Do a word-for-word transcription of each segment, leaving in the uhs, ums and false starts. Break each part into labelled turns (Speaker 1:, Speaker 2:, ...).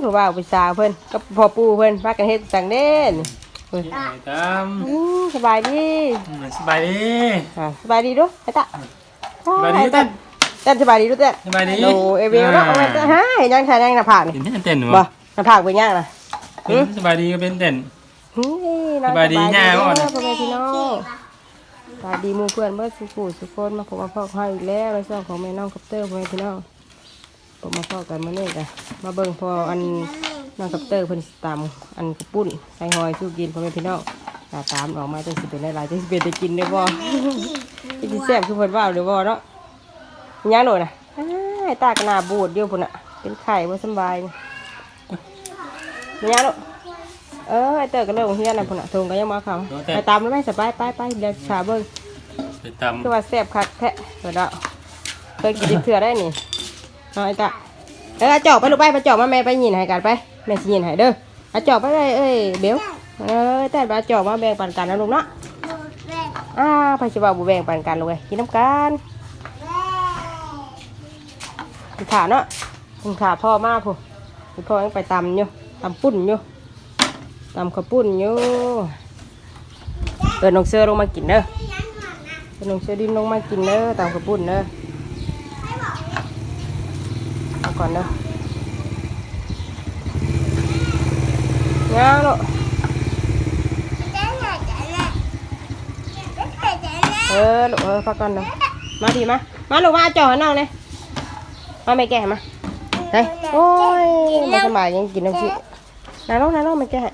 Speaker 1: ผู้บ่าวผู้สาวเพิ่นก็พ่อปู่เพิ่นพากันเฮ็ดจังเด่นเพิ่น
Speaker 2: ตาม
Speaker 1: สบายดี
Speaker 2: สบายดี
Speaker 1: อ่าสบายดีดูไอ้ตา
Speaker 2: สบายดี
Speaker 1: เต้นเต้นสบายดีดูเต้น
Speaker 2: สบายดี
Speaker 1: โอ้เอเวลเนาะเอาไว้เต้นฮะยังใช้ยังหน้าผากนี่
Speaker 2: เห็นเต้นหนู
Speaker 1: บ่หน้าผากเป็นยังน่ะ
Speaker 2: สบายดีก็เป็นเต้น
Speaker 1: น้อง
Speaker 2: สบายดีย่าบ่
Speaker 1: บ่
Speaker 2: น่ะ
Speaker 1: พ่อแม่พี่น้องสบายดีหมู่เพื่อนเบิดสุขุสุขคนมาพบมาพ่อเขาอีกแล้วในช่องของแม่น้องคัปเตอร์พ่อแม่พี่น้องผมมาพ่อกันมื้อนี้จ้ะมาเบิ่งพออันน้องคัปเตอร์เพิ่นสิตำอันกระปุ้นใส่หอยสู้กินพ่อแม่พี่น้องตาตามออกมาจังสิเป็นหลายๆจังสิเป็นได้กินได้บ่สิแซ่บคือเพิ่นว่าหรือบ่เนาะยังโดดน่ะอ้ายตากระหน้าบูดเดียวพุ่นน่ะเป็นไข้บ่สำบายนี่ยังโดดเออไอเตอร์ก็เริ่มเฮียนน่ะพุ่นน่ะทงก็ยังมาเข้าไปตามแล้วไหมสบายไปไปเดี๋ยวชาเบิ่ง
Speaker 2: ไปตำ
Speaker 1: คือว่าแซ่บคักแท้เพิ่นเนาะเคยกินเถื่อได้นี่น้อยตะเออจอกไปลูกไปไปจอกมาแม่ไปยินให้กันไปแม่สิยินให้เด้อเอาจอกไปเลยเอ้ยเบลเออแต่เอาจอกมาแบ่งปันกันนะลูกเนาะอ้าไปสิว่าบ่แบ่งปันกันลูกเอ้ยกินน้ำกันกินขาเนาะกินขาพ่อมาพุ่นพ่อยังไปตำอยู่ตำปุ้นอยู่ตำข้าวปุ้นอยู่เอิ้นน้องเสือลงมากินเด้อเอิ้นน้องเสือดินลงมากินเด้อตำข้าวปุ้นเด้อเอาก่อนเด้อเงาลูกเออลูกเออพักก่อนเด้อมาดีมามาลูกมาจ่อให้น้องเลยมาไม่แก่มาเฮ้ยโอ้ยมาสบายยังกินน้ำชิน้าน้องน้าน้องไม่แก่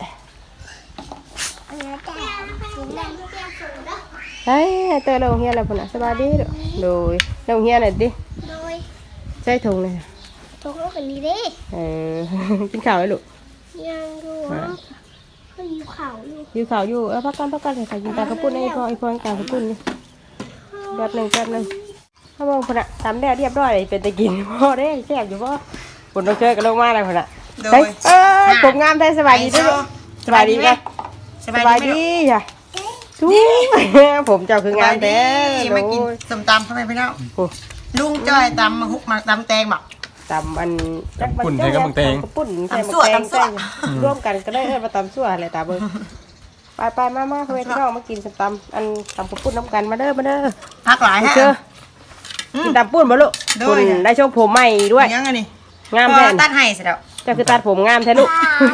Speaker 1: เฮ้ยเตอร์ลงเฮียอะไรพุ่นอ่ะสบายดีลูกโดยลงเฮียหน่อยดิใส่ถุงเลย
Speaker 3: ตกลงกันดีเด้
Speaker 1: เออ กินข้าวเลยลูก
Speaker 3: ยังดูเขาอยู่เขาอยู่
Speaker 1: อยู่ข้าวอยู่เออพักกันพักกันใส่ข้าวกินตากระปุ้นไอ้พ่อไอ้พ่อตากระปุ้นนี่แป๊บหนึ่งแป๊บหนึ่งถ้ามองพุ่นอ่ะทำได้เรียบร้อยเป็นตะกินพ่อได้แซ่บอยู่พ่อพุ่นต้องเจอกันลงมาอะไรพุ่นอ่ะเฮ้ยเออผมงามได้สบายดีด้วยสบายดีไหมสบายดีจ้ะทุกผมเจ้าคืองามแต่
Speaker 4: มากินส้มตำทำไมพี่น้องลุงจ้อยตำมาหุกมาตำแตงบอก
Speaker 1: ตำอันจักมัน
Speaker 2: ปุ่นใส่กับมังเตง
Speaker 1: ปุ่นใส่มังเตงใส่ร่วมกันก็ได้เอิ้นมาตำซั่วอะไรตาเบิ่งไปไปมามาเพื่อนพี่น้องมากินตำอันตำกระปุ้นน้ำกันมาเด้อมาเด้อ
Speaker 4: พักหลายฮะ
Speaker 1: เชื่อกินตำปุ้นบ่ลูกปุ้นได้ช่วงผมใหม่ด้วย
Speaker 4: ยังไงนี่
Speaker 1: งามแท้
Speaker 4: ตัดให้เสร็จแล้ว
Speaker 1: เจ้าคือตัดผมงามแท้ลูก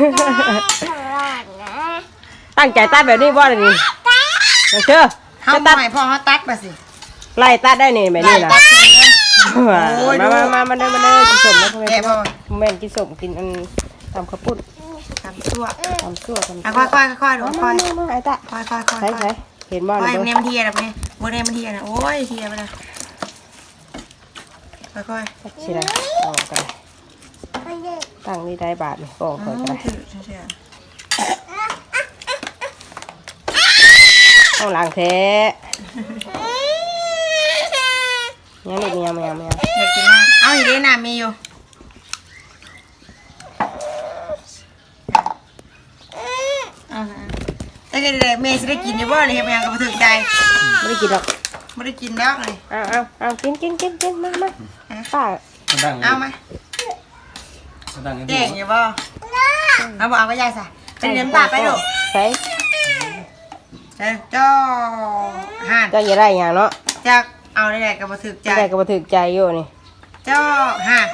Speaker 1: ตั้งใจตัดแบบนี้บ่ล่ะนี่เชื่อ
Speaker 4: เขา
Speaker 1: จะตัด
Speaker 4: ใหม่พ่อเขาตัดมาสิ
Speaker 1: ไล่ตัดได้นี่แบบนี้นะ
Speaker 4: ตัดเลย
Speaker 1: มามามามาเด้อมาเด้อกินสมนะพ่อแม่
Speaker 4: แกพ่อ
Speaker 1: แม่นกินสมกินอันตำข้าวปุ้น
Speaker 4: ตำชั่ว
Speaker 1: ตำซั่วตำ
Speaker 4: อ่ะค่อยค่อยค่อยดูค่อย
Speaker 1: มามาไอ้ตา
Speaker 4: ค่อยค่อยค่อย
Speaker 1: ใช่
Speaker 4: ค่อ
Speaker 1: ใช่
Speaker 4: ย
Speaker 1: เห็นบ่
Speaker 4: ค่อย
Speaker 1: นะ
Speaker 4: เนมเทียนะเนี่ยโมเนมเทียนะโอ้ยเทียไปนะค่อยค่อย
Speaker 1: สิได้ออกกันตั้งนี่ได้บาทนี่บอกก่อนก็ได้ต้องล้างแท้ยังลูกยังยังยัง
Speaker 4: อยากกินน้ำเอาอีกได้น้ำมีอยู่เอาแต่ก็เลยเมย์จะได้กินอยู่บ่เลยเฮียยังก็มาถึงใจ
Speaker 1: ไม่ได้กินหรอก
Speaker 4: ไม่ได้กินแล้วเลย
Speaker 1: เอาเอาเอากินกินกินกินมามาป้า
Speaker 2: ดัง
Speaker 4: เอาไหม
Speaker 2: ดัง
Speaker 4: เก่งอยู่บ่เอาบ่เอาไปยายซะเป็นเลี้ยงปลาไปดู
Speaker 1: ใช่
Speaker 4: เจ้าจ้าห่าน
Speaker 1: เจ้าอย่าได้อย่างเนาะ
Speaker 4: จะเอาได้แหละก็มาถึกใจ
Speaker 1: ได้ก็มาถึกใจอยู่นี่
Speaker 4: เจ้าห่าน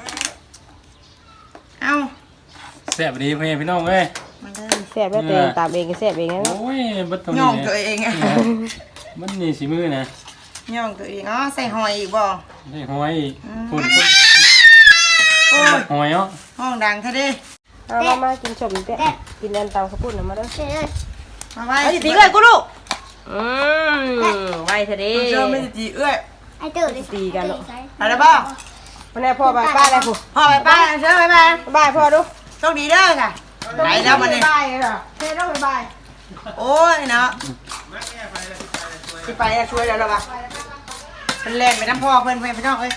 Speaker 4: เอา
Speaker 2: แซ่บดีพี่พี่น้องเอ้ย
Speaker 4: มันได้
Speaker 1: แซ่บแล้วตัวเองตามเองก็แซ่บเองนะ
Speaker 2: โอ้ยบัดตรง
Speaker 4: ย่
Speaker 2: นี้
Speaker 4: องตัวเองอะ
Speaker 2: มันนี่สีมือนะ
Speaker 4: ย่องตัวเองอ๋อใส่หอยอีกบ่
Speaker 2: ได้หอยปุ่น
Speaker 4: โอ้ย
Speaker 2: หอยเนาะ
Speaker 4: ห้องดังเท่าดิ
Speaker 1: เอามามากินสมเต้กินอันตำข้าวปุ้นมาเด้อ
Speaker 4: มาไว้
Speaker 1: เอาสิตีเลยกูลูกอืมไว้เถอะดิ
Speaker 4: เจ้าไม่ได้ตีเอื้อย
Speaker 3: ไอ้ตื่น
Speaker 1: ตีกันลูก
Speaker 4: อะไรบ้าง
Speaker 1: วันนี้พ่อไปป้าอะไรผู้
Speaker 4: พ่อไปป้าเชิญไปไป
Speaker 1: บายพ่อดู
Speaker 4: โชคดีเด้อค่ะไหนแล้วมันนี่
Speaker 1: บายเหรอเท่ต้องไปบาย
Speaker 4: โอ้ยเนาะสิไปแล้วช่วยแล้วหรอปะเป็นแรงไปน้ำพ่อเพื่อนเพื่อนพี่น้องเอ้ย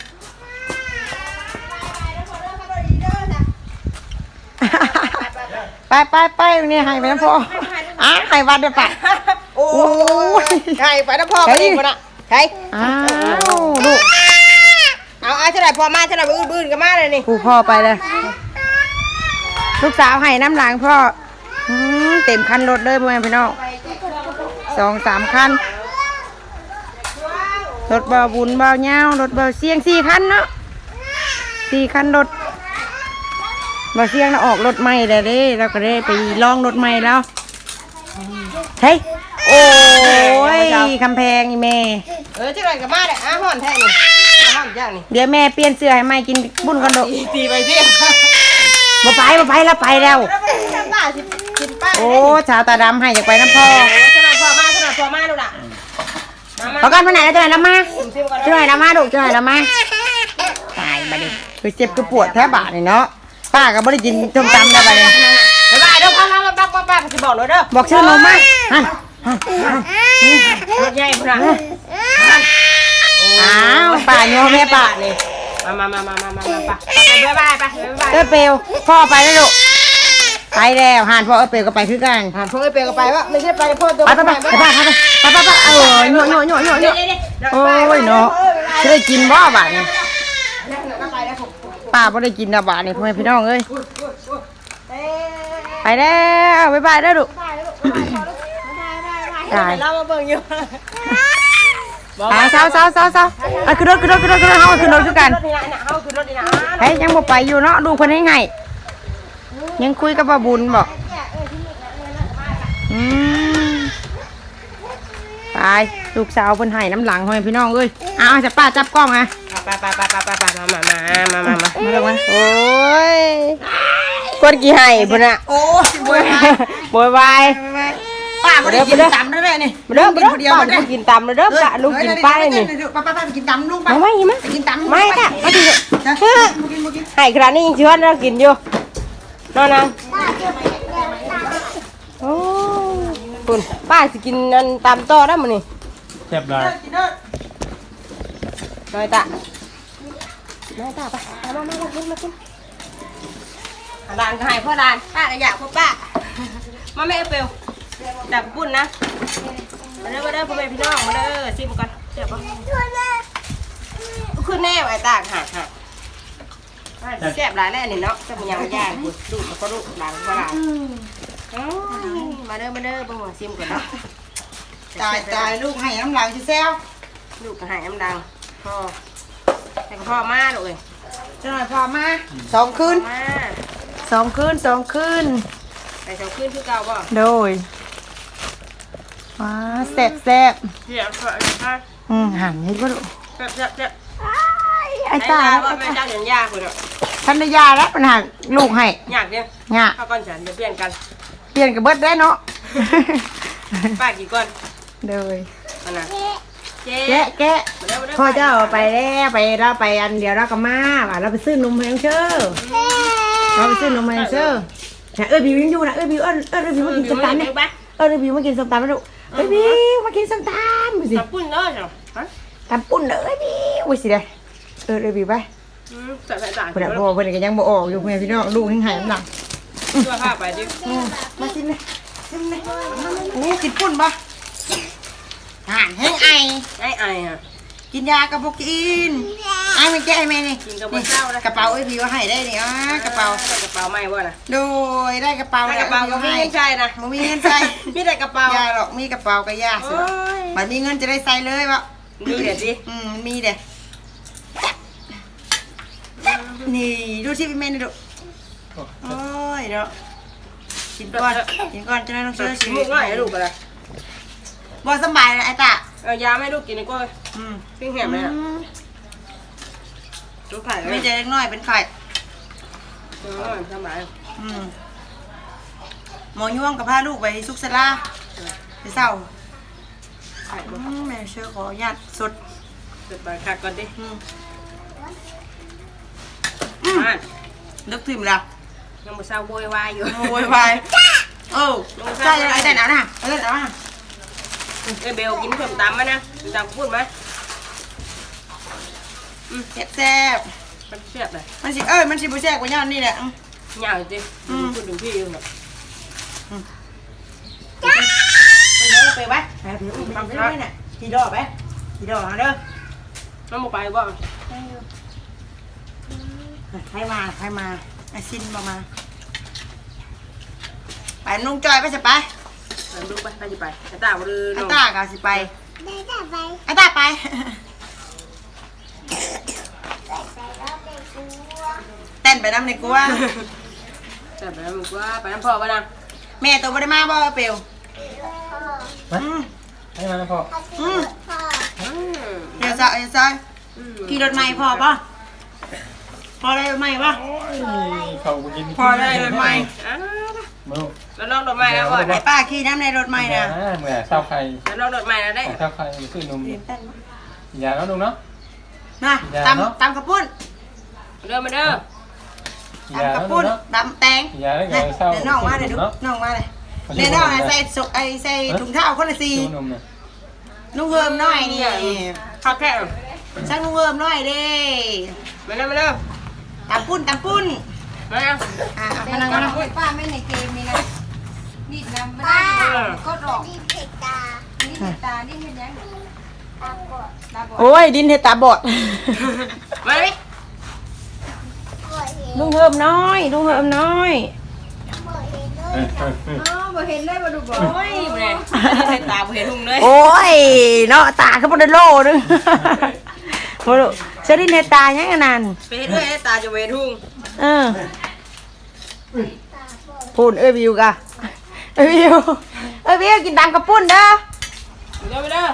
Speaker 4: ไปไปไปนี่ให้ไปน้ำพ่ออ่ะให้วัดเดี๋ยวไปโอ้ย
Speaker 1: ใช่ไปน้ำพ่อไปอีกคนอ่ะใช่
Speaker 4: อ้าวลูก
Speaker 1: เอาเอาเท่าไหร่พอมาเท่าไหร่บื้นบื้นกันมาเลยนี่
Speaker 4: ผูพ่อไปเลยลูกสาวให้น้ำหลังพ่ออืมเต็มคันรถเลยพ่อแม่พี่น้องสองสามคันรถเบาบุญเบาเงารถเบาเสียงสี่คันเนาะสี่คันรถเบาเสียงเราออกรถใหม่เลยเด้เราก็ได้ไปลองรถใหม่แล้วเฮ้ยโอ้ยคำแพงอีแม่
Speaker 1: เออจังไรกับมาเด้ออาห่อนแท้นี่อาห่อนย่างนี่
Speaker 4: เดี๋ยวแม่เปลี่ยนเสื้อให้ใหม่กินบุญกันเถอะ
Speaker 1: ตีไปสิ
Speaker 4: มาไปมาไปแล้วไปแล้ว
Speaker 1: แล้วมันทำบ้าสิกินป้า
Speaker 4: โอ้ชาวตาดำให้อยากไปน้ำพ่อ
Speaker 1: โอ้ขนาดพอมาขนาดพอมาดูล่ะมามา
Speaker 4: เอากันไปไหนแล้วจะไหนน้ำมา
Speaker 1: ซิมก่อน
Speaker 4: จะไหนน้ำมาดูจะไหนน้ำมาตายมาดิคือเจ็บคือปวดแท้บาดนี่เนาะป้าก็ไม่ได้กินส้มตำได้ไปเลย
Speaker 1: บ๊ายบายเด้อพังแล้วบักบักบักสิบอกเลยเด้อ
Speaker 4: บอกชื่อนมมาฮะ
Speaker 1: รถใหญ่พุ่นน่ะ
Speaker 4: อ้าวป่าโยมแม่ป่านี่
Speaker 1: มามามามามามามาไปบ๊ายบายไปบ๊ายบาย
Speaker 4: เออเปลวพ่อไปแล้วลูกไปแล้วหานพ่อเออเปลวก็ไปคือกัน
Speaker 1: ผ่านพวกไอ้เปย์ก็ไปว่าไม่ใช่ไปพ่อตัว
Speaker 4: ไปไปไปไปไปไปไปไปไปเออโยโยโยโยโยโอ้ยเนาะจะได้กินบ่บาดนี่ป้าไม่ได้กินนะบาดนี่พ่อแม่พี่น้องเอ้ยไปแล้วบ๊ายบายแล้วลูกตาย
Speaker 1: เรามาเบิ่งอยู่
Speaker 4: อ่าเศร้าเศร้าเศร้าเศร้าอ่ะขึ้นรถขึ้นรถขึ้นรถขึ้นรถเฮาขึ้นรถคือกัน
Speaker 1: รถนี่นะเฮาคือรถนี่นะ
Speaker 4: เฮ้ยยังบ่ไปอยู่เนาะดูคนให้ไงยังคุยกับป้าบุญบอกอืมไปลูกสาวเพิ่นให้น้ำหลังให้พี่น้องเอ้ยเอาจะป้าจับกล้องไง
Speaker 1: ไปไปไปไปไปไปมามามามามามา
Speaker 4: มาลงมา
Speaker 1: โอ้ยคนกี่ให้พุ่นน่ะ
Speaker 4: โอ้ยบวย
Speaker 1: บวยวาย
Speaker 4: ป้าบ่ได้กินตำได้เลยนี่
Speaker 1: มาเด้อมาเด้อป้าลูกกินตำมาเด้อป้าลูกกินป้าเลยนี่
Speaker 4: ป้าป้าไปกินตำลูกไป
Speaker 1: มาไม่ไหม
Speaker 4: ไปกินตำ
Speaker 1: ไม่ค่ะมาดิ
Speaker 4: กินกิน
Speaker 1: ให้ครานี้ยังชวนเรากินอยู่นอนนังโอ้คุณป้าสิกินอันตำต่อได้มั้ยนี่
Speaker 2: แซ่บหลาย
Speaker 4: กินเด้อ
Speaker 1: น้อยตาน้อยตาไปมามามากินมากินดานก็ให้พ่อดานป้าก็อยากพ่อป้ามาแม่เปลวจับปุ้นนะมาเด้อมาเด้อพ่อแม่พี่น้องมาเด้อซิมกันเจ็บปะขึ้นแน่ไอ้ตาหักหักแซ่บหลายแน่นี่เนาะจะมันยังไม่ย่างดูดูก็ดูหลังก็หลังมาเด้อมาเด้อบ่หัวซิมก่อนเนาะ
Speaker 4: ตายตายลูกให้น้ำหลังสิแซว
Speaker 1: ลูกก็หายน้ำดังพ่อแต่ก็พ่อมาลูกเอ้ย
Speaker 4: จะหน่อยพอมาสองคืน
Speaker 1: มา
Speaker 4: สองคืนสองคืน
Speaker 1: ไปเช้าขึ้นคือเก่าบ่
Speaker 4: โดยว้าแซ่บแซ่บ
Speaker 1: เดี๋ยวเถอะนะคะ
Speaker 4: อืมหันให้ก็ดู
Speaker 1: เจ็บเจ็บเจ็บ
Speaker 4: ไอ้ตา
Speaker 1: ว่าแม่เจ้าเดี๋ยวยากคุณเนาะ
Speaker 4: ท่านได้ยาแล้วปัญหาลูกให้
Speaker 1: ยากเนี่ย
Speaker 4: เนี่ย
Speaker 1: ข้าวก้อนฉันจะเปลี่ยนกัน
Speaker 4: เปลี่ยนกับเบิดได้เนาะ
Speaker 1: ป้ากี่ก้อน
Speaker 4: โดย
Speaker 1: อันน่ะเจ๊
Speaker 4: แกะแกะ
Speaker 1: มาเด้อมาเด้อ
Speaker 4: พ่อเจ้าไปแล้วไปเราไปอันเดียวเราก็มาว่าเราไปซื้อนมแพงเชื่อเราไปซื้อนมแพงเชื่อแต่เอ้ยบิวยังอยู่นะเอ้ยบิวเอ้ยเอ้ยบิวมากินส้มตำเนี่ยเอ้ยบิวมากินส้มตำนะลูกเอ้ยบิวมากินส้มตำดูสิ
Speaker 1: ตับปุ้นเนาะจ้ะฮะ
Speaker 4: ตำปุ่นเอ้ยบิวอุ้ยสิเด้เออเอ้ยบิวไป
Speaker 1: อืมใส่ใส่จาน
Speaker 4: เพื่อนพ่อเพื่อนก็ยังบ่ออกอยู่เพื่อนพี่น้องลูกยังหายน้ำหนัก
Speaker 1: ตัวข้าไปดิ
Speaker 4: มาชิมเลยชิมเลยโอ้กินปุ่นปะห่านแห้งไอ
Speaker 1: ไอ้ไอ้อะ
Speaker 4: กินยากระปุกกินไอไม่แก้ไอแม่นี่
Speaker 1: กินกับเจ้านะ
Speaker 4: กระเป๋าไอ้พี่ว่าให้ได้นี่อ่ะกระเป๋าก
Speaker 1: ระเป๋าไม่ว่านะ
Speaker 4: โดยได้กระเป๋า
Speaker 1: กระเป๋าก็มีเงินใช่นะ
Speaker 4: มันมีเงินใส่
Speaker 1: มีแต่กระเป๋าย
Speaker 4: าหรอกมีกระเป๋าก็ยาสิ
Speaker 1: โอ้ย
Speaker 4: มันมีเงินจะได้ใส่เลยวะ
Speaker 1: ดูเดี๋ยวสิ
Speaker 4: อืมมีเด้นี่ดูสิพี่เมย์นี่ดูโอ้ยเนาะกินก่อนกินก่อนจะได้ต้องเชื่อชี
Speaker 1: มุ
Speaker 4: วิ
Speaker 1: ก
Speaker 4: ต
Speaker 1: ง่ายลูกอะไร
Speaker 4: บ่สบายเลยไอ้ตา
Speaker 1: เอายาไม่ลูกกินดีกว่า
Speaker 4: อืม
Speaker 1: ปิ้งแหมเลยอ่ะลูกไข่
Speaker 4: ไม่เจอเล็กน้อยเป็นไข่
Speaker 1: เออทำไม
Speaker 4: อืมหมอยวงกับพาลูกไปซุกซาลาไปเศร้า
Speaker 1: ไข่
Speaker 4: อืมแม่เชื่อขออนุญาตสด
Speaker 1: เกิดไปขัดก่อนดิ
Speaker 4: อืม
Speaker 1: มา
Speaker 4: นึกถึงแล้ว
Speaker 1: ยังไม่เศร้าโวยวายอยู่
Speaker 4: โวยวายเออใช่ไอ้แต่หนาวนะไอ้แต่หนาวนะ
Speaker 1: ไอ้เบลกินส้มตำไหมนะส้มตำพูดไหม
Speaker 4: แซ่บแซ่บ
Speaker 1: มันเสียบเลย
Speaker 4: มันสิเอ้ยมันสิบุแซ่บกว่าย่านนี่แหละ
Speaker 1: ยาวจริงพูดถึงพี่อยู่แบบ
Speaker 4: ไปเด้อไปไว้ไปไปอุ้มไปด้วยเนี่ยกี่ดอกไปกี่ดอกเด้อ
Speaker 1: น้องมาไปบ่
Speaker 4: ใครมาใครมาไอ้ซินมามาไปลุงจอยไปสิไป
Speaker 1: ดูไปไปสิไปไอ้ตาบ่ลือ
Speaker 4: ไอ้
Speaker 1: น้อง
Speaker 4: ตาก็สิไป
Speaker 3: ได้แต่ไป
Speaker 4: ไอ้ตาไป
Speaker 3: ไปแล้วไปกู
Speaker 4: เต้นไปน้ำในกลัว
Speaker 1: แต่ไปมึงว่าไปน้ำพ่อบ่นาง
Speaker 4: แม่ตัวบ่ได้มาบ่เปลว
Speaker 3: พ่อ
Speaker 4: อืม
Speaker 2: ให้มาแล้วพ่อ
Speaker 3: อืมพ่อ
Speaker 1: อืม
Speaker 4: เดี๋ยวซะเดี๋ยวซะขี่รถใหม่พอป่ะพอได้รถใหม่ป่ะ
Speaker 2: เขาไปกิน
Speaker 4: พอได้รถใหม่
Speaker 1: อ้าว
Speaker 2: มึง
Speaker 1: แล้วน้องรถใหม่แล้วบ่
Speaker 4: ไอ้ป้าขี่น้ำในรถใหม่นะ
Speaker 2: เมื่อเช้าใคร
Speaker 1: แล้วน้องรถใหม่แล้วได้
Speaker 2: เช้าใครซื้อนมอย่าแล้วลุงเนาะ
Speaker 4: มาตำตำกระปุ้น
Speaker 1: เด้อมาเด้อ
Speaker 2: อย่า
Speaker 4: ตำก
Speaker 2: แล้
Speaker 4: ระ
Speaker 2: วลุ
Speaker 4: ปุ้
Speaker 2: ง
Speaker 4: น
Speaker 2: เนาะ
Speaker 4: ตำแตง
Speaker 2: อย่าแล้ว
Speaker 4: เดี๋
Speaker 2: เดี๋ยวเช้า
Speaker 4: ยวน้องมาเลยดูน้องมาเลยเดี๋ยวน้องใส่สุกไอใส่ถุงเท้าคนละสี
Speaker 2: ซื้อนมเนี่ย
Speaker 4: นุ่งเฮิมน้อยนี่
Speaker 1: ข้าวแค่
Speaker 4: ช่างนุ่งเฮิมน้อยเด้
Speaker 1: มาเด้อมาเด้อ
Speaker 4: ตำปุ้นตำปุ้น
Speaker 1: มาเด้อ
Speaker 4: อ่าพนังมา
Speaker 5: ป้าไม่ในเกมนี้นะนี่นะไม่ได้ก็หลอก
Speaker 3: ดีเผ็ดตา
Speaker 5: นี่ตานี่เห็นยัง
Speaker 3: ตาบอด
Speaker 5: ตาบอด
Speaker 4: โอ้ยดินเฮตาบอด
Speaker 1: มาดิ
Speaker 3: ปวดเห็น
Speaker 4: ลุงเฮิมน้อยลุงเฮิมน้อย
Speaker 3: ปวดเห็นด้ว
Speaker 2: เอย อ
Speaker 3: ค่ะ
Speaker 2: เออเออ
Speaker 5: อ๋อบ่เห็นเลยบ่ดูบ่
Speaker 1: โอ้ยแม่ใส่ตาบ่เห็นหุ่งเลย
Speaker 4: โอ้ยเนาะตาเขาบ่ได้โลนึงโอ้โหเสดินเฮตายังอันนั้น
Speaker 1: ไปเฮ็ดด้วยให้ตาจะเวทุ่ง
Speaker 4: เออ
Speaker 3: ตาบอด
Speaker 4: พูนเอ้ยวิวกะเอ้ยวิวเอ้ยวิวกินตามกระปุ้นเด้อ
Speaker 1: เด้อมาเด้อ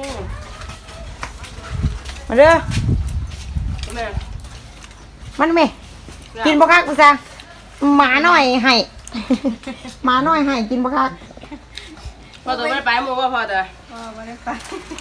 Speaker 4: มาเด้อ
Speaker 1: แม่
Speaker 4: มันไหมกินบ่คักกูซะหมาหน่อยให้ หมาหน่อยให้กินบ่คัก
Speaker 1: พอตัวไม่ไปหมู่ว่าพอตัว
Speaker 5: อ๋อบ่ได้ไป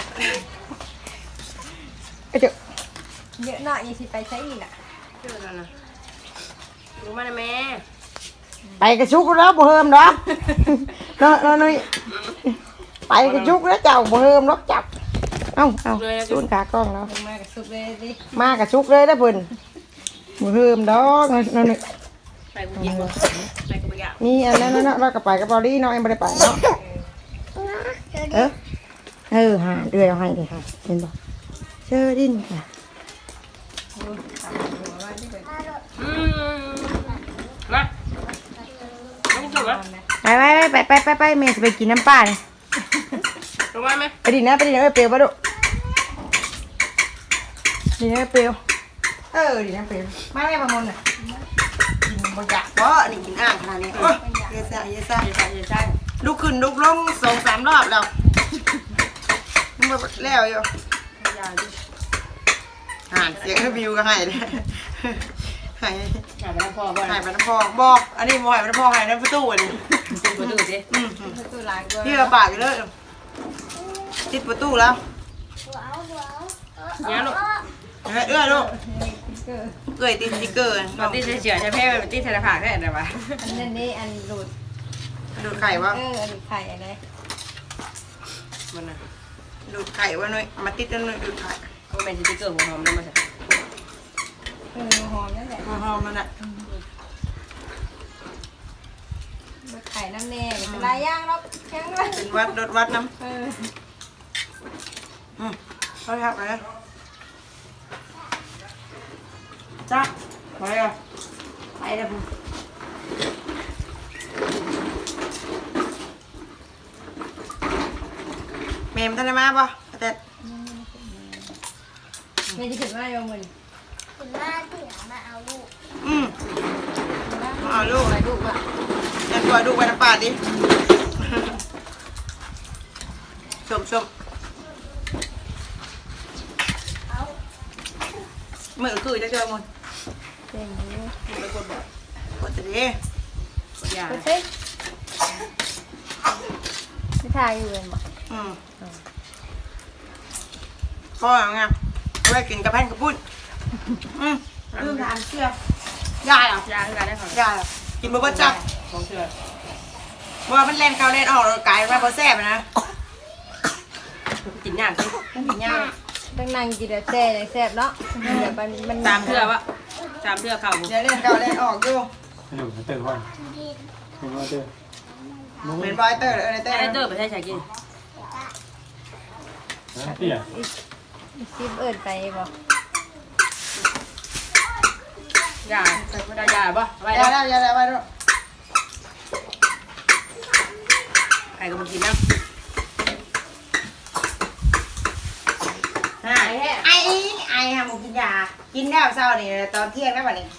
Speaker 4: เอ้ยเจ้า
Speaker 5: เยอะหน่อยยังสิไปใช้อีกอ่ะ
Speaker 1: ชื่อนั่นน่ะรู้มาได้แม่
Speaker 4: ไปกระชุกแล้วบ่เฮิมดอกเนาะเนาะนุ้ยไปกระชุกแล้วเจ้าบ่เฮิมดอกจับเอ้าเอ้าสูนขากล้องแล้ว
Speaker 5: ลงมากับสุกเลยดิ
Speaker 4: มากระชุกเลยนะเพิ่นบ่เฮิมดอกเนาะเนาะนุ้ย
Speaker 1: ไปกูกินบ่ไปกูไปอยาก
Speaker 4: มีอันนั้นเนาะเราก็ไปกับเบอลี่เนาะยังบ่ได้ไปเนาะ เออเออหาเดือยเอาให้เลยค่ะเห็นบ่เชอดินค่ะ
Speaker 1: อืมมาไม่กินมา
Speaker 4: ไปไปไปไปไปไปแม่จะไปกินน้ำปลาเลย
Speaker 1: ลงมาไหม
Speaker 4: ไปดินนะไปดินนะเออเปรียวปะลูกดินนะเปรียวเออดินนะเปรียวมาแม่ประมลน่ะกินบ่อยากบ่นี่กินอ่างขนาดนี้โอ้ยเยอะซ่าเยอะซ่า
Speaker 1: ใช่ใช่
Speaker 4: ลุกขึ้นลุกลงสองสามรอบแล้วมันบ่แล้วอยู่ห่านเสียงวิวก็ให้เลยให้
Speaker 1: อยากไปน้ำพ่อบ่
Speaker 4: ให้ไปน้ำพองบอกอันนี้บ่ให้ไปน้ำพองให้น้ำประตูอันนี้
Speaker 1: ติดประตูสิ
Speaker 4: อืม
Speaker 5: ประตูหลายกว่า
Speaker 4: พี่เอาปากอยู่เลยติดประตูแล้ว
Speaker 3: ว้าวว้าว
Speaker 1: เนี่ยลูก
Speaker 4: เอ้ยเอ้ยลูก
Speaker 5: เกิด
Speaker 4: เกยติดสติ๊กเกอร์
Speaker 1: ตอนที่เฉยๆใช่เพ่เป็นที่ธนาคารแค่ไหนวะ
Speaker 5: อันนั้นนี่อันหลุด
Speaker 4: ดูดไข่วะ
Speaker 5: เอออันหลุดไข่อะไร
Speaker 1: มันน่ะ
Speaker 4: ดูดไข่วะหน่อยมาติดกันหน่อยดูดไข่
Speaker 1: ก็เป็นสติ๊กเกอร์ของหอมนั่นมาใช่
Speaker 5: เออหอมนั่นแหละ
Speaker 4: หอมๆนั่นแหละ
Speaker 5: หลุดไข่น้ำแน่เป็นลายย่างแล้วแข็งเลย
Speaker 4: เป็นวัดรถวัดน้
Speaker 5: เออ
Speaker 4: ำอืมเขาทับเลยจ้าไปอ่ะไปแล้วพุ่งเมมท่านได้มาป่ะแต่
Speaker 5: ไม่จะถึงว่าโยมมือ
Speaker 3: คุณแม่ถึงมาเอาลูก
Speaker 4: อืมมาเอาลูก
Speaker 5: อะไรลูกอ่ะ
Speaker 4: ยันตัวดูไปน้ำปลาดิ ชมชมมือคือจะเจอมัน
Speaker 5: เจ๋งดี
Speaker 1: ไปกดบอก
Speaker 4: กดจะดี
Speaker 1: กดยา
Speaker 5: ไปสิไม่ทายอยู่เลยมั้ง
Speaker 4: อืมพ่อไงเอาไว้กินกับแผ่นกระปุ้นอืมลืมทานเชื่อยายเหรอย
Speaker 1: าคือการได้ของ
Speaker 4: ยายเหรอกินบะเบิ้ลจับ
Speaker 1: ของเชื่อ
Speaker 4: ว่ามันเล่นเข้าเล่นออกกลายมาพอแซ่บนะ
Speaker 1: กินยากสิ
Speaker 5: กินยากต้องนั่งกินแต่แซ่ยังแซ่บเนาะเดี๋ยวมันมัน
Speaker 1: ตามเชื่อวะตามเชื่อเข่า
Speaker 4: เดี๋ยวเล่นเข้าเล่นออกอยู่
Speaker 2: ให้ดูเติมก่อนให้ดูเติม
Speaker 4: เป็นบอยเตอร์เลยเตอ
Speaker 1: ไอ้
Speaker 4: ร์
Speaker 1: เตอร์ไปใช้ใช้กิน
Speaker 2: นะพี่อ่ะ
Speaker 5: ซิปเอิญไปบ่
Speaker 1: ยาไม่ได้ยาป่ะไป
Speaker 4: ยา
Speaker 1: แล้ว
Speaker 4: แล้วยาแล้วไปด้วยอ้ก็มากินนะไอ้ไอ้ไอ้ฮะมึงกินยากินแล้วเช้านี่ตอนเที่ยงแล้ววันนี้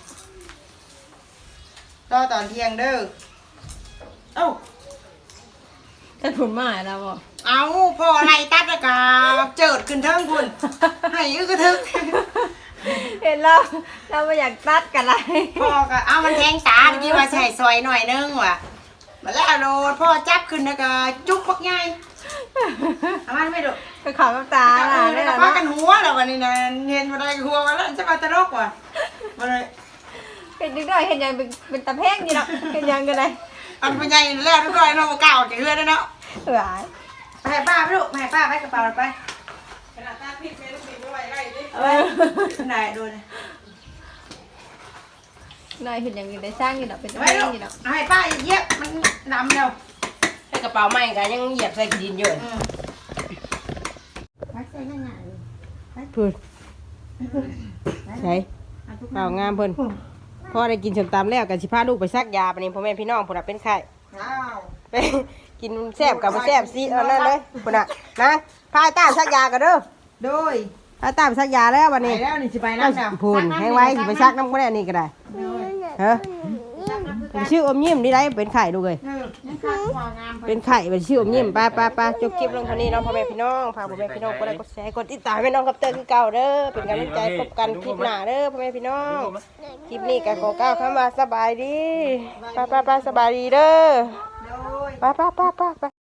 Speaker 4: รอตอนเที่ยงเด้อเอ้า
Speaker 5: ถ้าผลมาแล้วบ่
Speaker 4: เอาพออะไรตัดแล้วก็เจิดขึ้นเทิงคุณให้อึกกระทึก
Speaker 5: เห็นแล้วเราไม่อยากตัดกันไร
Speaker 4: พ่อก็เอามันแทงตาเมื่อกี้ว่าใส่ซอยหน่อยนึงว่ะมาแล้วโดนพ่อจับขึ้นแล้วก็จุ๊บปักใหญ่เอามันไม่ดู
Speaker 5: ก็ขอน้ำตา
Speaker 4: เอ
Speaker 5: ล่ะ
Speaker 4: อ
Speaker 5: ได้
Speaker 4: แล้ว
Speaker 5: แล้ว
Speaker 4: ก็พา
Speaker 5: เนาะ
Speaker 4: กันหัวแล้ววันนี้นะเห็นมาได้หัวมาแล้วจะมาตลกว่ะมาเลย
Speaker 5: เห็นนิดหน่อยเห็นยังเป็นเป็นตะเพ่งอยู่เนาะเห็นยังกันเลย
Speaker 4: อันเป็นใหญ่แล้วทุกคนเราเก่าจากเรือแล้วเนาะ
Speaker 5: เหื่อย
Speaker 4: ไปให้ป้าไปลูกไปให้ป้าไปกระเป๋าไปขนาดตาพิษไม่ลูกพิษไม่ไหวไรดิเอาไปไหนดูนะ
Speaker 5: หน่อยเห็นยังอยู่ได้สร้างอยู่เนาะเป็นตะ
Speaker 4: ไป
Speaker 5: เพ่ง
Speaker 4: ลูก
Speaker 5: อยู่เนาะ
Speaker 4: เอาให้ป้าเหยียบมันดำแล้ว
Speaker 1: ให้กระเป๋าใหม่กันยังเหยียบใส่ขี้ดินอยู่
Speaker 4: อืม
Speaker 1: พูดใช่เปล่างามเพิ่นพ่อได้กินชมตำแล้วกันสิพาลูกไปซักยาปะนี่พ่อแม่พี่น้องพุ่นน่ะเป็นไข้
Speaker 4: อ้าว
Speaker 1: ไปกินแซ่บกับบ่แซ่บสิเอานั่นเลยพุ่นน่ะนะพาไอ้ต้าซักยากันเด้อ
Speaker 4: โดย
Speaker 1: พาไอ้ต้าไปซักยาแล้ววัน
Speaker 4: ไป
Speaker 1: นี้
Speaker 4: แล้วนี่สิไป
Speaker 1: ก็
Speaker 4: น้ำแล้ว
Speaker 1: พูนให้ไว้สิไปซักน้ำก็ได้นี่ก็ได้เฮ้อชื่ออมยิ้มนี่ได้เป็นไข่ดูเลย
Speaker 4: เออนี่ค่ะความงาม
Speaker 1: เป็นไข่เป็นชื่ออมยิ้มไปไปไปจบคลิปลงเท่านี้เน้องพ่อแม่พี่น้องพาพ่อแม่พี่น้องกดไลค์กดแชร์กดติดตามให้น้องกับเตอร์คือเก่าเด้อเป็นกำลังใจพบกันคลิปหน้าเด้อพ่อแม่พี่น้องคลิปนี้ก็ขอก้าวเข้ามาสบายดีไปไปไปสบายดีเด้อ
Speaker 4: โดย
Speaker 1: ไปไปไปไปไป